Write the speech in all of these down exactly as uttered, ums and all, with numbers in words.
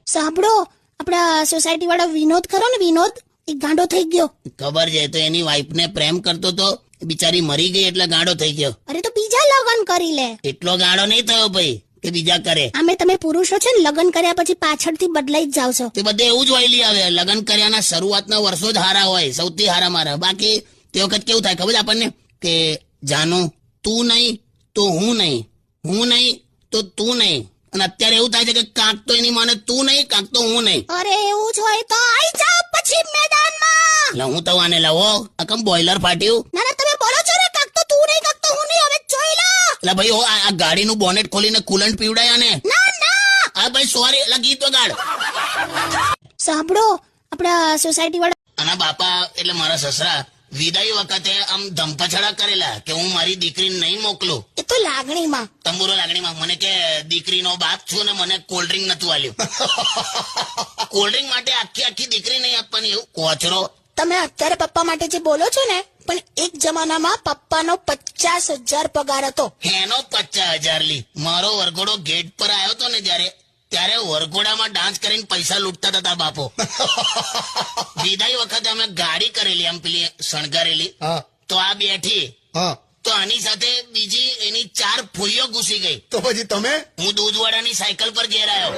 સાંભળો, આપણા સોસાયટી વાળો વિનોદ ખરો ને, વિનોદ એ ગાંડો થઈ ગયો. ખબર છે, તો એની વાઈફ ને પ્રેમ કરતો તો, બિચારી મરી ગઈ એટલે ગાંડો થઈ ગયો. અરે તો બીજા લગ્ન કરી લે. એટલો ગાંડો નહીં થયો ભાઈ કે બીજા કરે. આમે તમે પુરુષો છે ને, લગ્ન કર્યા પછી પાછળથી બદલાઈ જ જાવ છો. તે બધે એવું જ વહેલી આવે. લગ્ન કર્યાના શરૂઆતના વર્ષો જ હારા હોય, સૌથી હારા મારા. બાકી તે વખત કેવું થાય ખબર છે આપણને કે જાનું તું નહીં તો હું નહીં, હું નહીં તો તું નહીં. અને અત્યારે એવું થાય છે કે કાંક તો એની માને તું નહીં, કાંક તો હું નહીં. અરે એવું જ હોય તો આઈ જાવ પછી મેદાનમાં. એટલે હું તો આને લાવો આ કમ બોઇલર ફાટ્યું. ના ના, તમે બોલો છો ને કાંક તો તું નહીં, કાંક તો હું નહીં. હવે જોઈ લો. એટલે ભાઈ હો આ ગાડીનું બોનેટ ખોલીને કુલન્ટ પીવડાયા ને. ના ના, હા ભાઈ સોરી, એટલે ગીત વગાડ. સાંભળો, આપણા સોસાયટી વાળા આના બાપા એટલે મારા સસરા વિદાય વખતે આમ ધમપછડા કરેલા કે હું મારી દીકરીને નહીં મોકલું. એ તો લાગણીમાં. તંબુરો લાગણીમાં મને કે દીકરીનો બાપ છું ને મને કોલ્ડ ડ્રિંક નતું આલ્યું. કોલ્ડ ડ્રિંક માટે આખી આખી દીકરી નહીં આપવાની, એવું કોચરો. તમે અત્યારે પપ્પા માટે જે બોલો છો ને, પણ એક જમાનામાં પપ્પાનો પચાસ હજાર પગાર હતો. એનો પચાસ હજાર લી. મારો વરઘોડો ગેટ પર આવ્યો હતો ને જયારે, ત્યારે વરઘોડામાં ડાન્સ કરીને પૈસા લૂંટતા હતા બાપો. વિદાય વખતે અમે ગાડી કરેલી આમ પેલી શણગારેલી, તો આ બેઠી, તો આની સાથે બીજી એની ચાર ફૂલીઓ ઘૂસી ગઈ. તો પછી તમે? હું દૂધવાળાની સાયકલ પર ઘેર આવ્યો.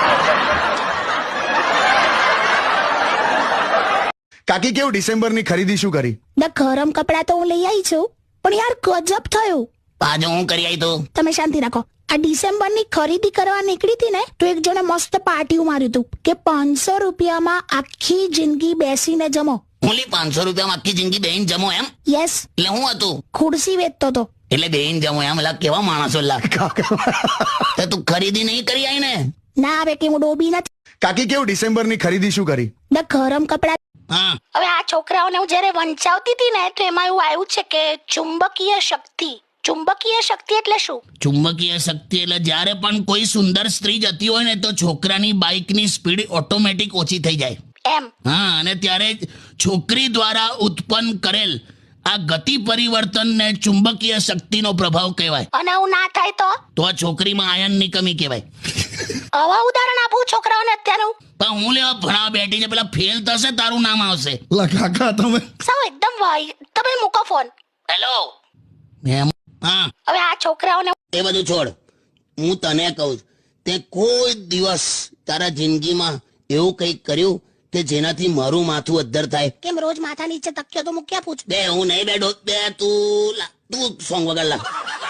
કાકી કેવું ડિસેમ્બરની ખરીદી શું કરી? ના, ગરમ કપડા તો હું લઈ આવી છું, પણ યાર ગજબ થયું. પાછો હું કરી આવી તો તમે શાંતિ રાખો. આ ડિસેમ્બરની ખરીદી કરવા નીકળી હતી ને, તો એક જણે મસ્ત પાર્ટી માર્યું હતું કે પાંચસો રૂપિયામાં આખી જિંદગી બેસીને જમો. ઓલી પાંચસો રૂપિયામાં આખી જિંદગી બેહીન જમો એમ? યસ. એટલે હું હતું? ખુરશી વેચતો હતો. એટલે બેહીન જમો એમ? એટલે કેવા માણસો લા. તો તું ખરીદી નહીં કરી આવી ને? ના આવે કે હું ડોબી નથી. કાકી કેવું ડિસેમ્બરની ખરીદી શું કરી? ના, ગરમ કપડા. હા, હવે આ છોકરાઓને હું જયારે વંચાવતી હતી ને, તો એમાં એવું આવ્યું છે કે ચુંબકીય શક્તિ. ચુંબકીય શક્તિ એટલે શું? ચુંબકીય શક્તિ એટલે જ્યારે પણ કોઈ સુંદર સ્ત્રી જતી હોય ને, તો છોકરાની બાઇકની સ્પીડ ઓટોમેટિક ઓછી થઈ જાય. એમ? હા, અને ત્યારે જ છોકરી દ્વારા ઉત્પન્ન કરેલ આ ગતિ પરિવર્તનને ચુંબકીય શક્તિનો પ્રભાવ કહેવાય. અને આવું ના થાય તો? તો આ છોકરીમાં આયનની કમી કહેવાય. આવા ઉદાહરણ આપું છોકરાઓને અત્યારનું. પણ હું લેવા ભણાવવા બેઠી છે, પેલા ફેલ થશે તારું નામ આવશે. કાકા તમે સાવ એકદમ વાય. તમે મૂકો ફોન. હેલો. એમ? હા, હવે આ છોકરાઓને એ બધું છોડ. હું તને કહું, તે કોઈ દિવસ તારા જિંદગીમાં એવું કંઈક કર્યું કે જેનાથી મારું માથું અદ્ધર થાય? કેમ રોજ માથા નીચે તક્યો તો મૂક્યા પૂછ. બે હું નહીં બેઠો. બે તું લા, તું સોંગ વગર લા.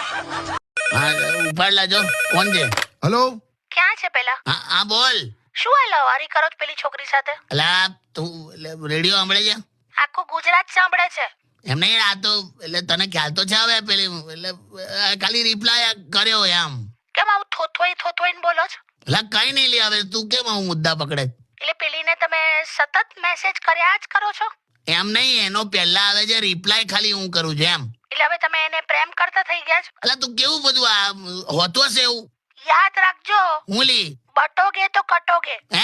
હા, ઉપાડ લાજો. કોણ છે? હલો. ક્યાં છે પેલા? હા હા, બોલ. શું આ લવારી કરો છો પેલી છોકરી સાથે? અલા તું એટલે રેડિયો સાંભળે છે? આખું ગુજરાત સાંભળે છે. એમ નહીં, આ તો એટલે તને ખ્યાલ તો છે હવે પેલી એટલે ખાલી રિપ્લાય કર્યો એમ. કેમ આવું થોથોઈ થોથોઈને બોલો છો? એટલે કઈ નહીં લે, હવે તું કેમ આવું મુદ્દા પકડે? એટલે પેલીને તમે સતત મેસેજ કર્યા જ કરો છો? એમ નહીં, એનો પહેલા આવે છે રિપ્લાય, ખાલી હું કરું છું એમ. એટલે હવે તમે એને પ્રેમ કરતા થઈ ગયા છો? એટલે તું કેવું બધું આ હોતું હશે એવું. યાદ રાખજો, હું લી બટોગે તો કટોગે. હે?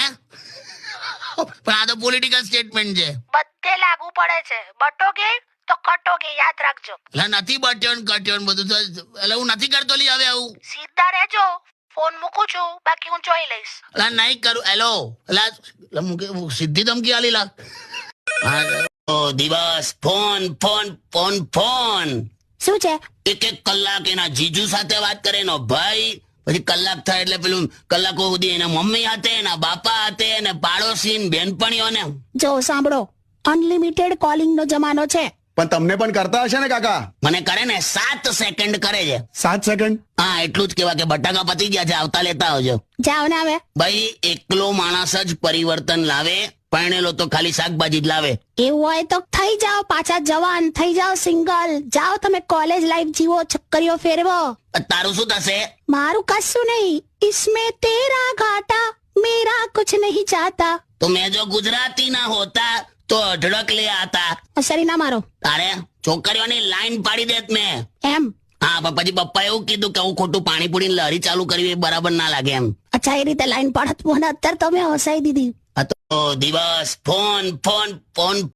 પણ આ તો પોલિટિકલ સ્ટેટમેન્ટ છે. બધે લાગુ પડે છે. બટોગે તો કટોગે, યાદ રાખજો. એટલે નથી બટ્યો ને કટ્યો ને બધું તો, એટલે હું નથી કરતો લી હવે આવું. સીધા રહેજો. ફોન મૂકું છું, બાકી હું જોઈ લઈશ. એટલે નહીં કરું. હેલો. એટલે મૂકે સીધી ધમકી આલી લા. હા, ઓ દિવસ ફોન ફોન ફોન ફોન. શું છે? એક એક કલાક એના જીજુ સાથે વાત કરે એનો ભાઈ, પછી કલાક થાય એટલે પેલું કલાકો સુધી એના મમ્મી હાથે, એના બાપા હાથે, અને પાડોશી બેનપણીઓને. જો સાંભળો, અનલિમિટેડ કોલિંગ નો જમાનો છે. પણ તમને પણ કરતા હશે ને કાકા? મને કરે ને સાત સેકન્ડ કરે છે. સાત સેકન્ડ? હા, એટલું જ કેવા કે બટાકા પતી ગયા છે, આવતા લેતા આવજો. જાઓ ને હવે. ભાઈ એકલો માણસ જ પરિવર્તન લાવે, પરણેલો તો ખાલી શાકભાજી જ લાવે. એવું હોય તો થઈ જાઓ પાછા જવાન, થઈ જાઓ સિંગલ. જાઓ તમે કોલેજ લાઈફ જીવો, છક્કરીઓ ફેરવો. તારું શું થશે? મારું કશું નહીં. इसमें तेरा घाटा मेरा कुछ नहीं चाहता. તો મેં જો ગુજરાતી ના હોતા તો અઢળક લે આતા. સરી ના મારો. તારે છોકરીઓની લાઈન પાડી દેત મેં. એમ? હા, પણ પછી પપ્પા એવું કીધું કે હું ખોટું પાણી પૂરી લહેરી ચાલુ કરવી એ બરાબર ના લાગે એમ. અચ્છા, એ રીતે લાઈન પાડત મને અત્યારે તમે હસાઈ દીધી. આ તો દિવસ ફોન ફોન ફોન